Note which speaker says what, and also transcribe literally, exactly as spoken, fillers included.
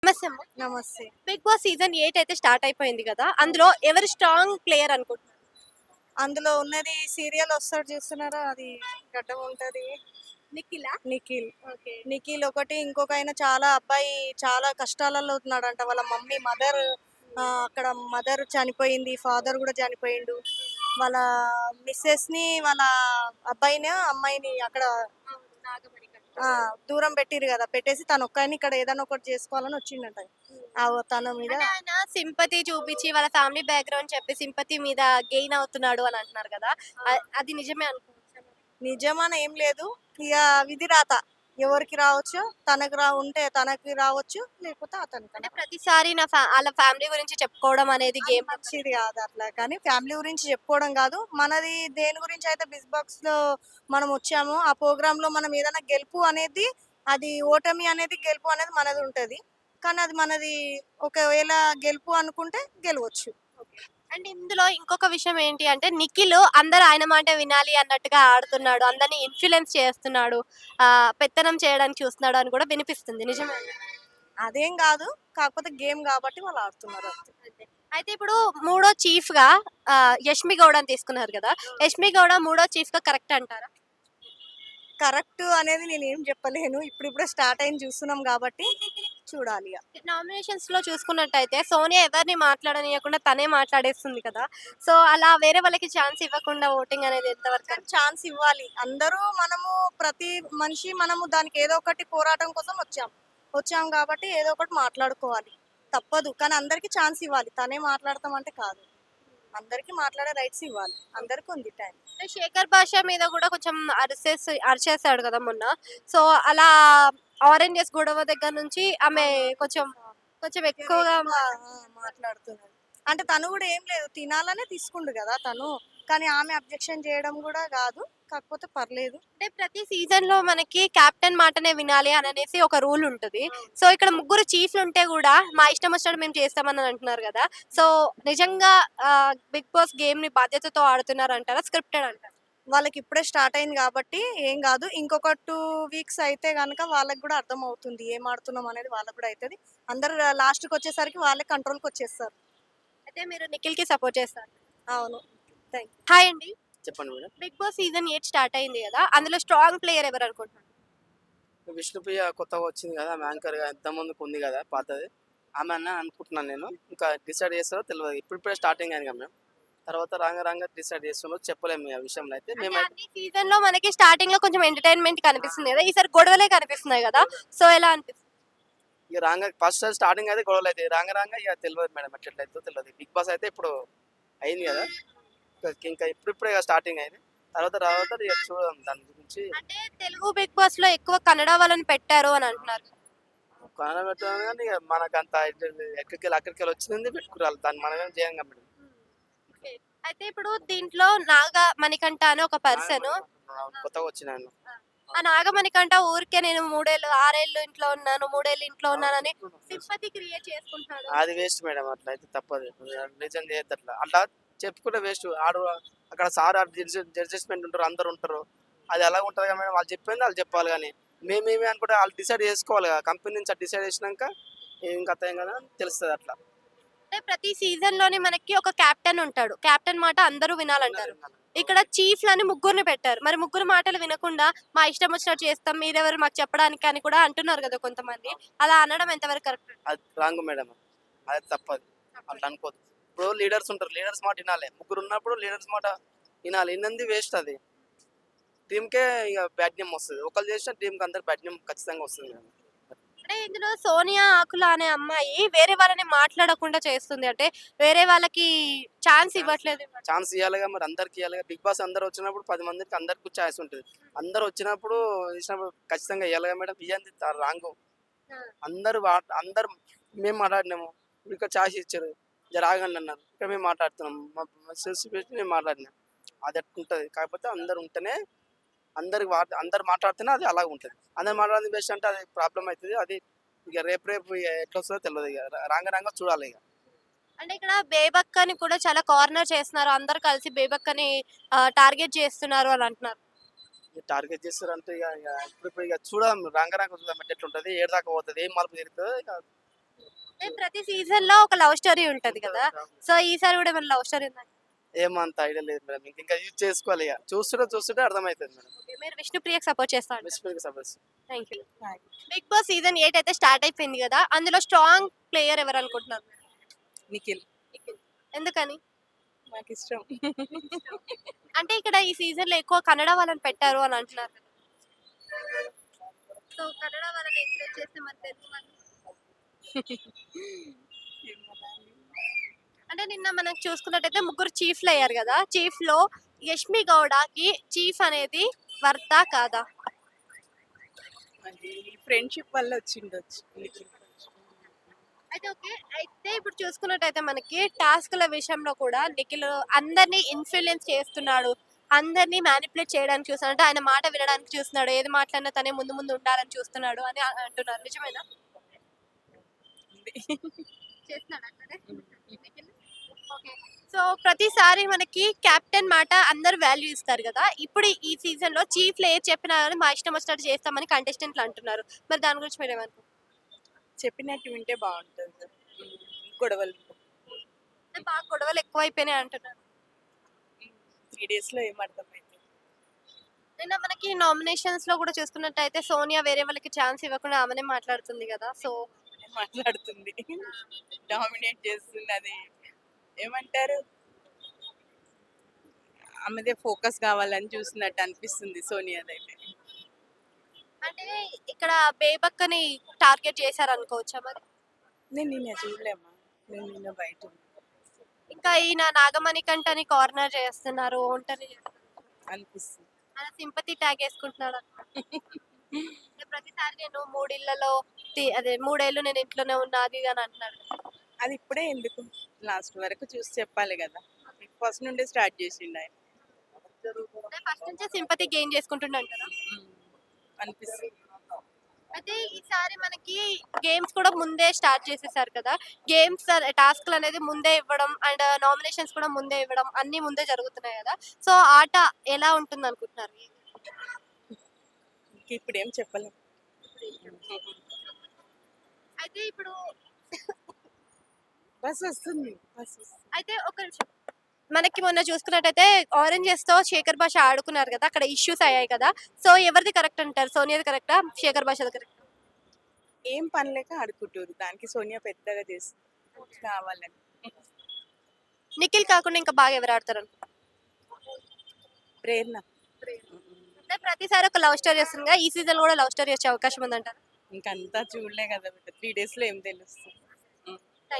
Speaker 1: నమస్తే అమ్మ.
Speaker 2: నమస్తే.
Speaker 1: బిగ్ బాస్ సీజన్ ఎయిట్ అయితే స్టార్ట్ అయిపోయింది కదా, అందులో ఎవరు స్ట్రాంగ్ ప్లేయర్ అనుకుంటున్నారు?
Speaker 2: అందులో ఉన్నది సీరియల్ వస్తాడు చూస్తున్నారా, అది గడ్డం ఉంటది.
Speaker 1: నిఖిలా.
Speaker 2: నిఖిల్.
Speaker 1: ఓకే.
Speaker 2: నిఖిల్ ఒకటి, ఇంకొక ఆయన చాలా అబ్బాయి చాలా కష్టాలలో ఉన్నాడంట. వాళ్ళ మమ్మీ మదర్ అక్కడ మదర్ చనిపోయింది, ఫాదర్ కూడా చనిపోయిండు. వాళ్ళ మిస్సెస్ ని వాళ్ళ అబ్బాయిని అమ్మాయిని అక్కడ ఆ, దూరం పెట్టిరు కదా, పెట్టేసి తను ఒక్కని ఇక్కడ ఏదైనా ఒకటి చేసుకోవాలని వచ్చిండంట. ఆ తన మీద
Speaker 1: అంటే ఆయన సింపతి చూపించి వాళ్ళ ఫ్యామిలీ బ్యాక్గ్రౌండ్ చెప్పి సింపతి మీద గెయిన్ అవుతున్నాడు అని అంటున్నారు కదా, అ- అది నిజమే అనుకోవచ్చు.
Speaker 2: నిజమని ఏం లేదు. ఇక విధి రాత ఎవరికి రావచ్చు, తనకు రా ఉంటే తనకి రావచ్చు, లేకపోతే అతనికి
Speaker 1: అంటే ప్రతిసారి నా ఫ్యా- వాళ్ళ ఫ్యామిలీ గురించి చెప్పుకోవడం అనేది
Speaker 2: అది
Speaker 1: గేమ్
Speaker 2: మంచిది కాదు అట్లా. కానీ ఫ్యామిలీ గురించి చెప్పుకోవడం కాదు, మనది దేని గురించి అయితే బిగ్ బాక్స్ లో మనం వచ్చామో ఆ ప్రోగ్రామ్ లో మనం ఏదైనా గెలుపు అనేది, అది ఓటమి అనేది గెలుపు అనేది మనది ఉంటది. కానీ అది మనది ఒకవేళ గెలుపు అనుకుంటే గెలవచ్చు.
Speaker 1: అండ్ ఇందులో ఇంకొక విషయం ఏంటి అంటే, నిఖిల్ అందరు ఆయన మాట వినాలి అన్నట్టుగా ఆడుతున్నాడు, అందరిని ఇన్ఫ్లుయెన్స్ చేస్తున్నాడు, ఆ పెత్తనం చేయడానికి చూస్తున్నాడు అని కూడా వినిపిస్తుంది, నిజమే?
Speaker 2: అదేం కాదు, కాకపోతే గేమ్ కాబట్టి వాళ్ళు ఆడుతున్నారు అంతే.
Speaker 1: అంతే. అయితే ఇప్పుడు మూడో చీఫ్ గా ఆ, యష్మి గౌడని తీసుకున్నారు కదా, యష్మి గౌడ మూడో చీఫ్ గా కరెక్ట్ అంటారా?
Speaker 2: కరెక్ట్ అనేది నేను ఏం చెప్పలేను, ఇప్పుడిప్పుడే స్టార్ట్ అయింది చూస్తున్నాం కాబట్టి చూడాలి ఇక.
Speaker 1: నామినేషన్స్ లో చూసుకున్నట్టయితే సోనియా ఎవరిని మాట్లాడనీయకుండా తనే మాట్లాడేస్తుంది కదా, సో అలా వేరే వాళ్ళకి ఛాన్స్ ఇవ్వకుండా ఓటింగ్ అనేది ఎంతవరకు
Speaker 2: కానీ ఛాన్స్ ఇవ్వాలి. అందరూ మనము ప్రతి మనిషి మనము దానికి ఏదో ఒకటి పోరాటం కోసం వచ్చాం వచ్చాం కాబట్టి ఏదో ఒకటి మాట్లాడుకోవాలి, తప్పదు. కానీ అందరికి ఛాన్స్ ఇవ్వాలి, తనే మాట్లాడతాం అంటే కాదు, అందరికి మాట్లాడే రైట్స్ ఇవ్వాలి, అందరికి ఉంది టైం.
Speaker 1: అంటే శేఖర్ భాష మీద కూడా కొంచెం అరిసేసి అరిచేసాడు కదా మొన్న, సో అలా ఆరెంజెస్ గొడవ దగ్గర నుంచి ఆమె కొంచెం కొంచెం ఎక్కువగా
Speaker 2: మాట్లాడుతున్నాడు. అంటే తను కూడా ఏం లేదు, తినాలనే తీసుకుండు కదా తను, కానీ ఆమె అబ్జెక్షన్ చేయడం కూడా కాదు, కాకపోతే పర్లేదు.
Speaker 1: అంటే ప్రతి సీజన్ లో మనకి కెప్టెన్ మాటనే వినాలి అని అనేసి ఒక రూల్ ఉంటుంది. సో ఇక్కడ ముగ్గురు చీఫ్లు ఉంటే కూడా మా ఇష్టం వచ్చినట్టు మేము చేస్తామని అంటున్నారు కదా, సో నిజంగా బిగ్ బాస్ గేమ్ ని బాధ్యతతో ఆడుతున్నారు అంటారా, స్క్రిప్టెడ్ అంటారా?
Speaker 2: వాళ్ళకి ఇప్పుడే స్టార్ట్ అయింది కాబట్టి ఏం కాదు, ఇంకొక టూ వీక్స్ అయితే కనుక వాళ్ళకి కూడా అర్థం అవుతుంది ఏం ఆడుతున్నాం అనేది, వాళ్ళకి కూడా అవుతుంది. అందరు లాస్ట్కి వచ్చేసరికి వాళ్ళే కంట్రోల్కి వచ్చేస్తారు.
Speaker 1: అయితే మీరు నిఖిల్ కి సపోర్ట్ చేస్తారు?
Speaker 2: అవును. థ్యాంక్
Speaker 1: హాయ్ అండి.
Speaker 3: చెప్పండి madam.
Speaker 1: Big boss season eight start అయింది కదా, అందులో స్ట్రాంగ్ ప్లేయర్ ఎవరు అనుకుంటున్నారు?
Speaker 3: విష్ణుప్రియ కొత్తగా వచ్చింది కదా, ఆమె యాంకర్ గా ఎంత ముందుకు ఉంది కదా పాతది, ఆమె అన్న అనుకుంటున్నాను నేను. ఇంకా డిసైడ్ చేస్తారో తెలియదు, ఇప్పుడు ఇప్పుడే స్టార్టింగ్ అయింది కదా మేడం, తర్వాత రాంగ రాంగ డిసైడ్ చేస్తున్నారో చెప్పలేము ఆ విషయంలో అయితే.
Speaker 1: అంటే
Speaker 3: మేమైతే
Speaker 1: అన్ని సీజన్ లో మనకి స్టార్టింగ్ లో కొంచెం ఎంటర్టైన్మెంట్ కనిపిస్తుంది కదా, ఈసారి గొడవలే కనిపిస్తున్నాయి కదా, సో ఎలా అనిపిస్తుంది?
Speaker 3: ఇక రాంగ ఫస్ట్ స్టార్టింగ్ అయితే గొడవలు అయితే రాంగ రాంగ ఇక తెలియదు మేడం, ఎట్లయితే తెలియదు. బిగ్ బాస్ అయితే ఇప్పుడు అయింది కదా, ఇంకా ఇంకా ఇప్పుడు ఇప్పుడే స్టార్టింగ్ అయింది, తర్వాత తర్వాత ఇక చూడదాం దాని గురించి.
Speaker 1: అంటే తెలుగు బిగ్ బాస్ లో ఎక్కువ కన్నడ వాళ్ళని పెట్టారు అని అంటున్నారు.
Speaker 3: కొనడం పెట్టాను కానీ ఇక మనకు అంత ఎక్కడికి వెళ్ళి అక్కడికి వెళ్ళి వచ్చింది పెట్టుకురాలి, దాన్ని మనం ఏం చేయం కదా మేడం.
Speaker 1: Okay. అయితే ఇప్పుడు దీంట్లో నాగ మణికంఠ అని ఒక పర్సన్,
Speaker 3: కొత్తగా వచ్చినాను.
Speaker 1: ఆ నాగ మణికంఠ ఊరికే నేను మూడేళ్ళు ఆరేళ్ళు ఇంట్లో ఉన్నాను మూడేళ్ళు ఇంట్లో ఉన్నానని సింపతి క్రియేట్ చేసుకుంటున్నాడు.
Speaker 3: అది వేస్ట్ మేడం, అట్లా అయితే తప్పదు, నిజం చేయొద్దు అట్లా. అట్లా చెప్పుకుంటే వేస్ట్. ఆడు అక్కడ సార్ జడ్జెస్మెంట్ ఉంటారు, అందరు ఉంటారు, అది ఎలా ఉంటుంది కదా మేడం, వాళ్ళు చెప్పింది వాళ్ళు చెప్పాలి. కానీ మేమేమి అనుకుంటే వాళ్ళు డిసైడ్ చేసుకోవాలి కదా, కంపెనీ నుంచి డిసైడ్ చేసినాక ఏం కథ ఏం కదా తెలుస్తుంది అట్లా.
Speaker 1: అంటే ప్రతి సీజన్ లోని మనకి ఒక కెప్టెన్ ఉంటాడు, కెప్టెన్ మాట అందరూ వినాలంటారు. ఇక్కడ చీఫ్లని ముగ్గురిని పెట్టారు, మరి ముగ్గురు మాటలు వినకుండా మా ఇష్టం వచ్చినట్టు చేస్తాం మీరెవరు మాకు చెప్పడానికి అని కూడా అంటున్నారు కదా కొంతమంది, అలా అనడం ఎంతవరకు కరెక్ట్?
Speaker 3: అది రాంగ్ మేడం, అది తప్పదు, అట్లా అనుకోదు. ఇప్పుడు లీడర్స్ ఉంటారు, లీడర్స్ మాట వినాలి. ముగ్గురు ఉన్నప్పుడు లీడర్స్ మాట వినాలి, వినంది వేస్ట్. అది టీంకే ఇక బ్యాడ్ నేమ్ వస్తుంది, ఒకళ్ళు చేసిన టీంకి అందరు బ్యాడ్ నేమ్ ఖచ్చితంగా వస్తుంది మేడం.
Speaker 1: అంటే ఇందులో సోనియా ఆకుల అనే అమ్మాయి వేరే వాళ్ళని మాట్లాడకుండా చేస్తుంది, అంటే వేరే వాళ్ళకి ఛాన్స్ ఇవ్వట్లేదు.
Speaker 3: ఛాన్స్ ఇవ్వాలిగా మరి, అందరికి ఇవ్వాలిగా. బిగ్ బాస్ అందరు వచ్చినప్పుడు పది మందికి అందరికి ఛాన్స్ ఉంటుంది, అందరు వచ్చినప్పుడు ఇచ్చినప్పుడు ఖచ్చితంగా ఇవ్వాలిగా మేడం. ఇవ్వండి రాంగ్. అందరు వా- అందరు మేము మాట్లాడినాము, ఇక్కడ ఛాన్స్ ఇచ్చారు, జర ఆగండి అన్నారు, ఇక్కడ మేము మాట్లాడుతున్నాం, మా సెల్స్ పెట్టి మేము మాట్లాడినాం, అది అట్లుంటుంది. కాకపోతే అందరు ఉంటేనే అందరికి వా- అందరు మాట్లాడితేనే అది అలాగ ఉంటుంది. అందరు మాట్లాడింది బెస్ట్ అంటే అది ప్రాబ్లం అవుతుంది. అది ఇక రేపు రేపు ఇక ఎట్లా వస్తుందో తెలియదు, ఇక రాంగ రాంగ చూడాలి ఇక.
Speaker 1: అంటే ఇక్కడ బేబక్కని కూడా చాలా కార్నర్ చేస్తున్నారు, అందరు కలిసి బేబక్కని టార్గెట్ చేస్తున్నారు అని అంటున్నారు.
Speaker 3: ఇక టార్గెట్ చేస్తారంటే ఇక ఇక ఇప్పుడు ఇప్పుడు ఇక చూడడం రాంగ రాంగ చూద్దాం ఎట్లా ఉంటుంది, ఏడు దాకా పోతుంది, ఏం మలుపు తిరుగుతుందో ఇక
Speaker 1: అంటే ప్రతి సీజన్ లో ఒక లవ్ స్టోరీ ఉంటది కదా, సో ఈసారి కూడా ఏమైనా లవ్ స్టోరీ ఉందా?
Speaker 3: ఏమంత ఐడియా లేదు మేడం, ఇంక ఇంకా యూజ్ చేసుకోవాలి ఇక, చూస్తుంటే చూస్తుంటే అర్థమవుతుంది మేడం.
Speaker 1: Okay, మీరు విష్ణుప్రియకి సపోర్ట్ చేస్తాను.
Speaker 3: మిస్ప్రీకి suppose.
Speaker 1: Thank you. Big boss season eight అయితే స్టార్ట్ అయిపోయింది కదా, అందులో స్ట్రాంగ్ ప్లేయర్ ఎవరు అనుకుంటున్నారు?
Speaker 4: నిఖిల్
Speaker 1: ఎందుకని?
Speaker 4: నాకు ఇష్టం.
Speaker 1: అంటే ఇక్కడ ఈ సీజన్ లో ఎక్కువ కన్నడ వాళ్ళని పెట్టారు అని అంటున్నారు కదా, సో కన్నడ వాళ్ళని ఎంకరేజ్ చేస్తే మరి తెలుగు వాళ్ళు? అంటే నిన్న మనం చూసుకున్నట్టయితే ముగ్గురు చీఫ్లు అయ్యారు కదా, చీఫ్ లో యష్మి గౌడకి చీఫ్ అనేది వర్తా కాదా?
Speaker 4: అది ఫ్రెండ్షిప్ వల్ల వచ్చిండొచ్చు నిఖిల్.
Speaker 1: అయితే ఓకే, అయితే ఇప్పుడు చూసుకున్నట్టయితే మనకి టాస్క్ల విషయంలో కూడా నిఖిల్ అందరినీ ఇన్ఫ్లుయెన్స్ చేస్తున్నాడు, అందరినీ మ్యానిపులేట్ చేయడానికి చూస్తున్నాడు, అంటే ఆయన మాట వినడానికి చూస్తున్నాడు, ఏది మాట్లాడినా తనే ముందు ముందు ఉండాలని చూస్తున్నాడు అని అ- అంటున్నారు. నిజమేనా? చేస్తున్నాడు అట్లనే నిఖిల్? ఓకే. సో ప్రతిసారి మనకి కెప్టెన్ మాట అందరు వాల్యూ ఇస్తారు కదా, ఇప్పుడు ఈ సీజన్ లో చీఫ్ లో ఏది చెప్పినా కానీ మా ఇష్టం వచ్చినట్టు చేస్తామని కంటెస్టెంట్లు అంటున్నారు, మరి దాని గురించి మీరు ఏమనుకుంటున్నారు?
Speaker 4: చెప్పినట్టు వింటే బాగుంటుంది. గొడవలు
Speaker 1: అంటే బాగా గొడవలు ఎక్కువైపోయినాయి అంటున్నారు.
Speaker 4: త్రీ డేస్ లో ఏమర్థమైంది.
Speaker 1: నిన్న మనకి నామినేషన్స్ లో కూడా చూసుకున్నట్టయితే సోనియా వేరే వాళ్ళకి ఛాన్స్ ఇవ్వకుండా ఆమెనే మాట్లాడుతుంది కదా, సో
Speaker 4: మాట్లాడుతుంది, డామినేట్ చేస్తుంది. అది ఏమంటారు, ఆమెదే ఫోకస్ కావాలని చూసినట్టు అనిపిస్తుంది సోనియాదైతే.
Speaker 1: అంటే ఇక్కడ బేబక్కని టార్గెట్ చేశారు అనుకోవచ్చా మరి?
Speaker 4: నేను నిన్న చూడలేమ్మా, నేను నిన్న బయట ఉన్నా.
Speaker 1: ఇంకా ఈయన నాగమణి కంటని కార్నర్ చేస్తున్నారు, ఒంటరి చేస్తున్నారు,
Speaker 4: అనిపిస్తుంది.
Speaker 1: ఆయన సింపతి ట్యాగ్ వేసుకుంటున్నాడు అన్నమాట. అంటే ప్రతిసారి నేను మూడిళ్లలో తి- అదే మూడేళ్ళు నేను ఇంట్లోనే ఉన్నా అది ఇది అని అంటున్నాడు.
Speaker 4: అది ఇప్పుడే ఎందుకు, లాస్ట్ వరకు చూసి చెప్పాలి కదా. ఫస్ట్ నుండే స్టార్ట్ చేసిండు ఆయన.
Speaker 1: అంటే ఫస్ట్ నుంచే సింపతి గెయిన్ చేసుకుంటున్నాడు కదా.
Speaker 4: అనిపిస్తుంది.
Speaker 1: అయితే ఈసారి మనకి గేమ్స్ కూడా ముందే స్టార్ట్ చేసేసారు కదా, గేమ్స్ టాస్క్లు అనేది ముందే ఇవ్వడం అండ్ నామినేషన్స్ కూడా ముందే ఇవ్వడం అన్ని ముందే జరుగుతున్నాయి కదా, సో ఆట ఎలా ఉంటుంది అనుకుంటున్నారు?
Speaker 4: ఇంక ఇప్పుడు ఏం చెప్పలేము.
Speaker 1: అయితే ఇప్పుడు
Speaker 4: బస్ వస్తుంది, బస్ వస్తుంది.
Speaker 1: అయితే ఒక నిమిషం, మనకి మొన్న చూసుకున్నట్టయితే ఆరెంజెస్ తో శేఖర్ భాష ఆడుకున్నారు కదా, అక్కడ ఇష్యూస్ అయ్యాయి కదా, సో ఎవరిది కరెక్ట్ అంటారు? సోనియాది కరెక్టా, శేఖర్ భాషది కరెక్టా?
Speaker 4: ఏం పని లేక ఆడుకుంటారు, దానికి సోనియా పెద్దగా చేస్తుంది కావాలని.
Speaker 1: నిఖిల్ కాకుండా ఇంకా బాగా ఎవరు ఆడతారు అనుకుంటున్నారు?
Speaker 4: ప్రేరణ
Speaker 1: అంటే ప్రతిసారి ఒక లవ్ స్టోరీ వస్తుంది కదా, ఈ సీజన్ కూడా లవ్ స్టోరీ వచ్చే అవకాశం ఉందంటారు?
Speaker 4: ఇంకంతా చూడలే కదా బిడ్డ, త్రీ డేస్ లో ఏం తెలుస్తుంది.